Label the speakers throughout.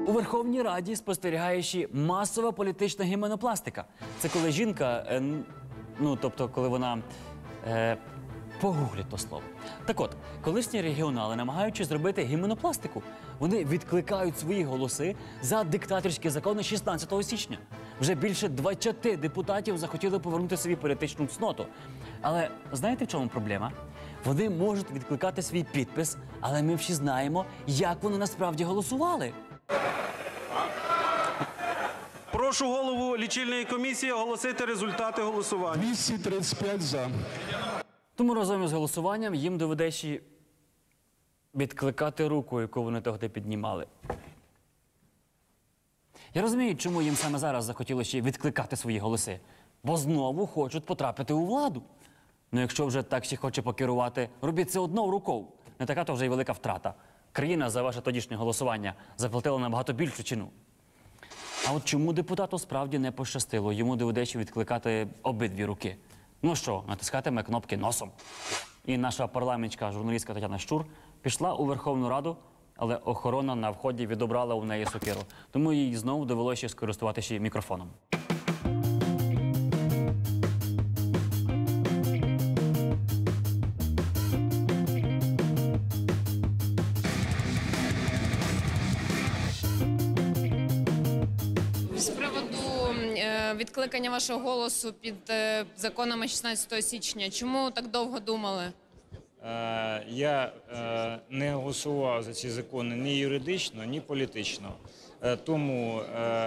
Speaker 1: У Верховній Раді спостерігаючи масова політична гіменопластика. Це коли жінка, тобто коли вона, погугліть то слово. Так от, колишні регіонали, намагаючись зробити гіменопластику, вони відкликають свої голоси за диктаторські закони 16 січня. Вже більше 20 депутатів захотіли повернути собі політичну цноту. Але знаєте, в чому проблема? Вони можуть відкликати свій підпис, але ми всі знаємо, як вони насправді голосували.
Speaker 2: Прошу голову лічильної комісії оголосити результати голосування.
Speaker 3: 235 за.
Speaker 1: Тому разом із голосуванням їм доведеться відкликати руку, яку вони тоді піднімали. Я розумію, чому їм саме зараз захотілося відкликати свої голоси. Бо знову хочуть потрапити у владу. Ну якщо вже так ще хоче покерувати, робіть це одною рукою. Не така то вже й велика втрата. Країна за ваше тодішнє голосування заплатила набагато більшу ціну. А от чому депутату справді не пощастило? Йому доведеться відкликати обидві руки. Ну що, натискатиме кнопки носом. І наша парламентська журналістка Тетяна Щур пішла у Верховну Раду, але охорона на вході відобрала у неї сокиру. Тому їй знову довелося скористуватися мікрофоном.
Speaker 4: З приводу відкликання вашого голосу під законами 16 січня, чому так довго думали?
Speaker 5: Я не голосував за ці закони ні юридично, ні політично. Тому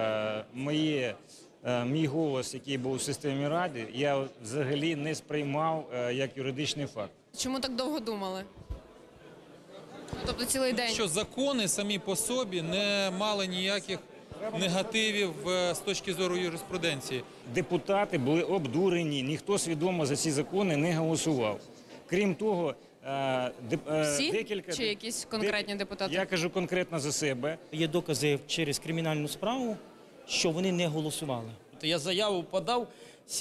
Speaker 5: мій голос, який був у системі Ради, я взагалі не сприймав як юридичний факт.
Speaker 4: Чому так довго думали? Тобто цілий день?
Speaker 6: Що закони самі по собі не мали ніяких негативів з точки зору юриспруденції.
Speaker 5: Депутати були обдурені, ніхто свідомо за ці закони не голосував. Крім того,
Speaker 4: Всі? Чи якісь конкретні депутати?
Speaker 5: Я кажу конкретно за себе.
Speaker 7: Є докази через кримінальну справу, що вони не голосували.
Speaker 8: Я заяву подав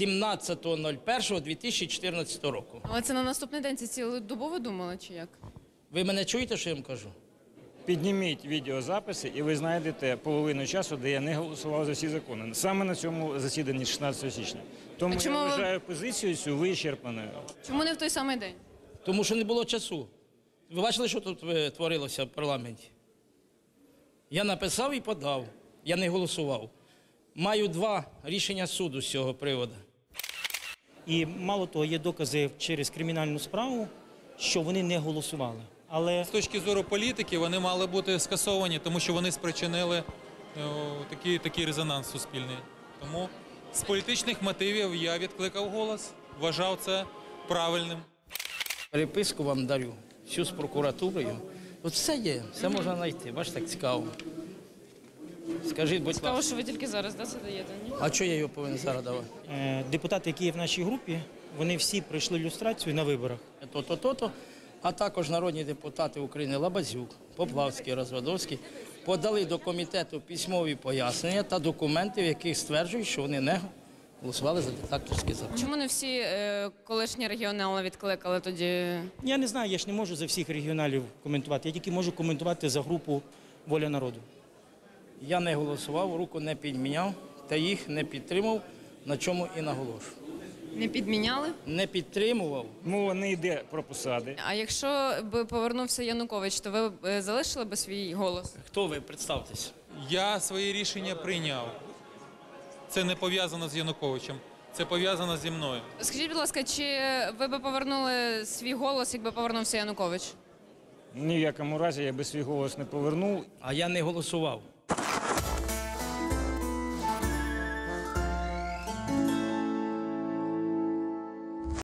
Speaker 8: 17.01.2014 року.
Speaker 4: Але це на наступний день, це цілодобово думали, чи як?
Speaker 8: Ви мене чуєте, що я вам кажу?
Speaker 5: Підніміть відеозаписи, і ви знайдете половину часу, де я не голосував за ці закони. Саме на цьому засіданні 16 січня. Тому я вважаю позицію цю вичерпаною.
Speaker 4: Чому не в той самий день?
Speaker 8: Тому що не було часу. Ви бачили, що тут творилося в парламенті? Я написав і подав. Я не голосував. Маю 2 рішення суду з цього приводу.
Speaker 7: І мало того, є докази через кримінальну справу, що вони не голосували. Але
Speaker 6: З точки зору політики вони мали бути скасовані, тому що вони спричинили такий резонанс суспільний. Тому з політичних мотивів я відкликав голос, вважав це правильним.
Speaker 8: Переписку вам дарю, всю з прокуратурою. От все є, все можна знайти. Бачите, так цікаво. Скажіть, будь
Speaker 4: Цікаво,
Speaker 8: ласка.
Speaker 4: що ви тільки зараз це даєте, ні?
Speaker 8: А чого я його повинен зараз давати?
Speaker 7: депутати, які є в нашій групі, вони всі пройшли люстрацію на виборах.
Speaker 8: То-то. А також народні депутати України Лабазюк, Поплавський, Розвадовський подали до комітету письмові пояснення та документи, в яких стверджують, що вони не голосували за диктаторський закон.
Speaker 4: Чому не всі колишні регіонали відкликали тоді?
Speaker 7: Я не знаю, я ж не можу за всіх регіоналів коментувати. Я тільки можу коментувати за групу «Воля народу».
Speaker 8: Я не голосував, руку не підміняв та їх не підтримав, на чому і наголошую.
Speaker 4: Не підміняли?
Speaker 8: Не підтримував.
Speaker 5: Мова не йде про посади.
Speaker 4: А якщо б повернувся Янукович, то ви б залишили б свій голос?
Speaker 8: Хто ви? Представтесь.
Speaker 6: Я своє рішення прийняв. Це не пов'язано з Януковичем, це пов'язано зі мною.
Speaker 4: Скажіть, будь ласка, чи ви б повернули свій голос, якби повернувся Янукович?
Speaker 5: Ні в якому разі я би свій голос не повернув.
Speaker 8: А я не голосував.